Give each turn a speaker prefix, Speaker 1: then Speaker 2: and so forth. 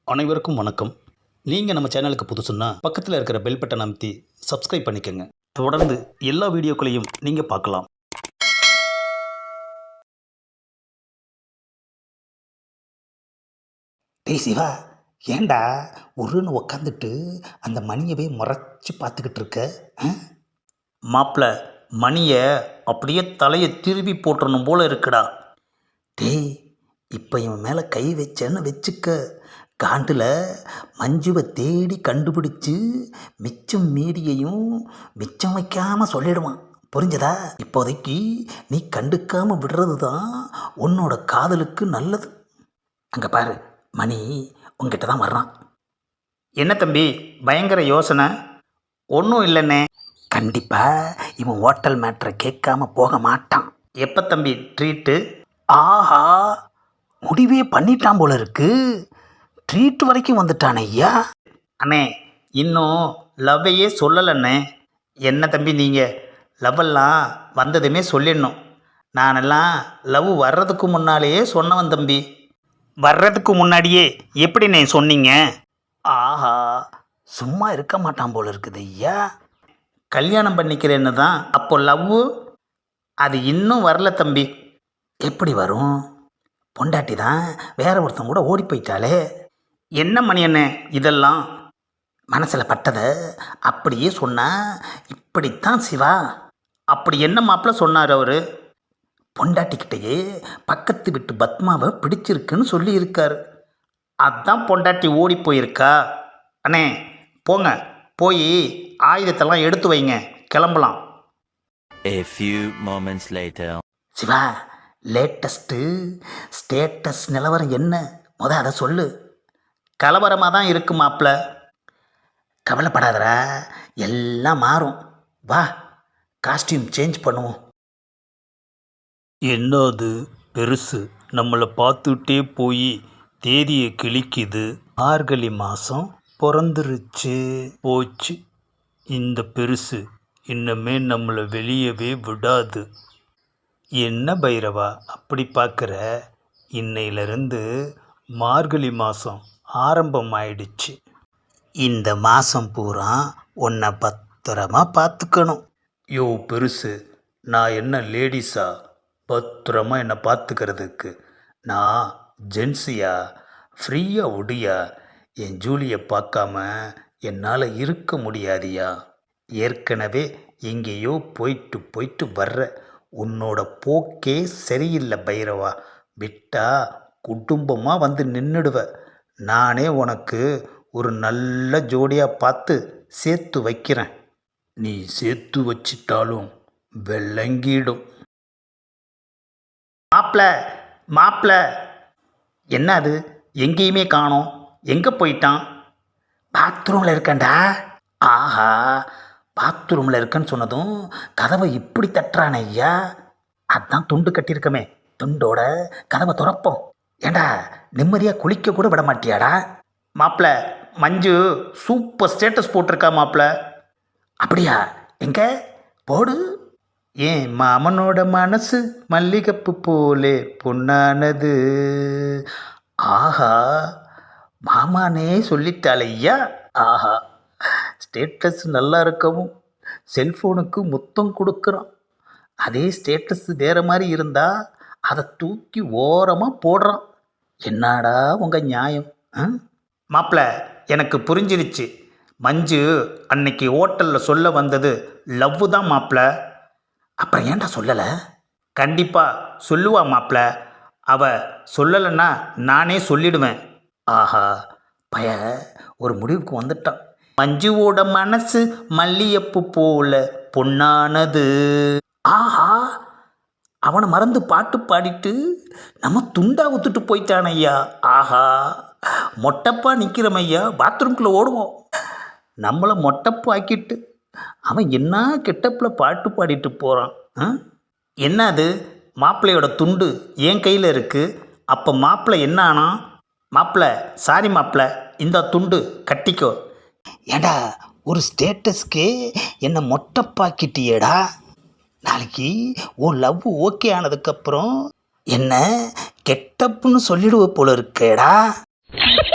Speaker 1: அனைவருக்கும் வணக்கம். நீங்கள் நம்ம சேனலுக்கு புதுசுன்னா பக்கத்தில் இருக்கிற பெல் பட்டனை அமைத்தி சப்ஸ்கிரைப் பண்ணிக்கோங்க. தொடர்ந்து எல்லா வீடியோக்களையும் நீங்கள் பார்க்கலாம்.
Speaker 2: டேய் சிவா, ஏண்டா உருன்னு உக்காந்துட்டு அந்த மணியவே முறைச்சி பார்த்துக்கிட்டு இருக்க?
Speaker 1: மாப்பிள்ள, மணியை அப்படியே தலையை திருப்பி போட்டுறணும் போல இருக்குடா.
Speaker 2: டேய், இப்போ இவன் மேலே கை வச்சேன்னு வச்சுக்க, காண்டில் மஞ்சுவை தேடி கண்டுபிடிச்சு மிச்சம் மீதியையும் மிச்சம் வைக்காமல் சொல்லிடுவான். புரிஞ்சதா? இப்போதைக்கு நீ கண்டுக்காமல் விடுறது தான் உன்னோட காதலுக்கு நல்லது. அங்கே பாரு, மணி உங்ககிட்ட தான் வர்றான்.
Speaker 1: என்ன தம்பி, பயங்கர யோசனை? ஒன்றும் இல்லைண்ணே.
Speaker 2: கண்டிப்பாக இவன் ஹோட்டல் மேட்ரை கேட்காம போக மாட்டான்.
Speaker 1: எப்போ தம்பி ட்ரீட்டு?
Speaker 2: ஆஹா, முடிவே பண்ணிட்டான் போல இருக்கு. ட்ரீட் வரைக்கும் வந்துட்டான் ஐயா.
Speaker 1: அண்ணே, இன்னும் லவ்வையே சொல்லலைண்ணே. என்ன தம்பி நீங்கள், லவ்வெல்லாம் வந்ததுமே சொல்லிடணும். நானெல்லாம் லவ் வர்றதுக்கு முன்னாலேயே சொன்னவன் தம்பி. வர்றதுக்கு முன்னாடியே எப்படிண்ணே சொன்னீங்க?
Speaker 2: ஆஹா, சும்மா இருக்க மாட்டான் போல இருக்குது ஐயா.
Speaker 1: கல்யாணம் பண்ணிக்கிறேன்னு தான். அப்போ லவ்வு அது இன்னும் வரல தம்பி.
Speaker 2: எப்படி வரும்? பொண்டாட்டி தான் வேற ஒருத்தன் கூட ஓடி போயிட்டாலே.
Speaker 1: என்ன மணி அண்ணே இதெல்லாம்?
Speaker 2: மனசில் பட்டதை அப்படியே சொன்னா இப்படித்தான் சிவா.
Speaker 1: அப்படி என்ன மாப்பிள்ள சொன்னார் அவர்?
Speaker 2: பொண்டாட்டிக்கிட்டேயே பக்கத்து வீட்டு பத்மாவை பிடிச்சிருக்குன்னு சொல்லியிருக்காரு.
Speaker 1: அதான் பொண்டாட்டி ஓடி போயிருக்கா. அண்ணே போங்க, போய் ஆயுதத்தெல்லாம் எடுத்து வைங்க, கிளம்பலாம்.
Speaker 3: A few moments later.
Speaker 2: Siva, latest status நிலவரம் என்ன? அதை சொல்லு.
Speaker 1: கலவரமாக தான் இருக்கு மாப்பிள்ள.
Speaker 2: கவலைப்படாதடா, எல்லாம் மாறும். வா, காஸ்டியூம் சேஞ்ச் பண்ணுவோம்.
Speaker 1: என்னது பெருசு நம்மளை பார்த்துட்டே போய் தேதியை கிழிக்குது.
Speaker 2: மார்கழி மாதம் பிறந்துருச்சு.
Speaker 1: போச்சு இந்த பெருசு. இன்னமே நம்மளை வெளியவே விடாது. என்ன பைரவா அப்படி பார்க்குற? இன்னையிலிருந்து மார்கழி மாதம் ஆரம்பமாயிடுச்சு.
Speaker 2: இந்த மாதம் பூரா உன்னை பத்திரமா பார்த்துக்கணும்.
Speaker 1: யோ பெருசு, நான் என்ன லேடிஸா பத்திரமா என்னை பார்த்துக்கிறதுக்கு? நான் ஜென்ஸியா? ஃப்ரீயாக ஒடியா? என் ஜூலியை பார்க்காம என்னால் இருக்க முடியாதியா? ஏற்கனவே எங்கேயோ போயிட்டு போயிட்டு வர்ற. உன்னோட போக்கே சரியில்லை பைரவா. விட்டா குடும்பமாக வந்து நின்றுடுவ. நானே உனக்கு ஒரு நல்ல ஜோடியாக பார்த்து சேர்த்து வைக்கிறேன். நீ சேர்த்து வச்சிட்டாலும் வெள்ளங்கிடும். மாப்பிள்ள, என்ன அது? எங்கேயுமே காணோம். எங்கே போயிட்டான்?
Speaker 2: பாத்ரூமில் இருக்கேன்டா. ஆஹா, பாத்ரூமில் இருக்கேன்னு சொன்னதும் கதவை இப்படி தட்டுறானே ஐயா. அதான் துண்டு கட்டியிருக்கமே, துண்டோட கதவை துறப்போம். ஏண்டா, நிம்மதியாக குளிக்க கூட விட மாட்டியாடா?
Speaker 1: மாப்பிள்ள, மஞ்சு சூப்பர் ஸ்டேட்டஸ் போட்டிருக்கா மாப்பிள்ள.
Speaker 2: அப்படியா? எங்கே போடு.
Speaker 1: ஏன் மாமனோட மனசு மல்லிகைப்பூ போலே பொன்னானது.
Speaker 2: ஆஹா, மாமானே சொல்லிட்டாளையா.
Speaker 1: ஆஹா, ஸ்டேட்டஸ் நல்லா இருக்கவும் செல்ஃபோனுக்கு முத்தம் கொடுக்குறான். அதே ஸ்டேட்டஸ் வேறு மாதிரி இருந்தால் அதை தூக்கி ஓரமாக போடுறான். என்னடா உங்கள் நியாயம்? மாப்பிள்ள, எனக்கு புரிஞ்சிருச்சு. மஞ்சு அன்னைக்கு ஹோட்டலில் சொல்ல வந்தது லவ்வு தான் மாப்பிள்ள.
Speaker 2: அப்புறம் ஏன்டா சொல்லலை?
Speaker 1: கண்டிப்பாக சொல்லுவா மாப்பிள்ள. அவள் சொல்லலைன்னா நானே சொல்லிடுவேன்.
Speaker 2: ஆஹா, பய ஒரு முடிவுக்கு வந்துட்டான்.
Speaker 1: மஞ்சுவோட மனசு மல்லிகைப்பூ போல பொன்னானது.
Speaker 2: ஆஹா, அவனை மறந்து பாட்டு பாடிட்டு நம்ம துண்டா ஊத்துட்டு போயிட்டான் ஐயா. ஆஹா, மொட்டப்பா நிற்கிறோம் ஐயா. பாத்ரூம்குள்ளே ஓடுவோம்.
Speaker 1: நம்மளை மொட்டப்பு ஆக்கிட்டு அவன் என்ன கெட்டப்பில் பாட்டு பாடிட்டு போகிறான். என்ன அது? மாப்பிள்ளையோட துண்டு என் கையில் இருக்குது. அப்போ மாப்பிள்ளை என்ன ஆனா? மாப்பிள்ள, சாரி மாப்பிள்ள, இந்த துண்டு கட்டிக்கோ.
Speaker 2: ஏண்டா, ஒரு ஸ்டேட்டஸ்க்கே என்னை மொட்டைப்பாக்கிட்டியேடா. நாளைக்கு உன் லவ் ஓகே ஆனதுக்கப்புறம் என்ன கெட்டப்புன்னு சொல்லிடுவ போல இருக்கேடா.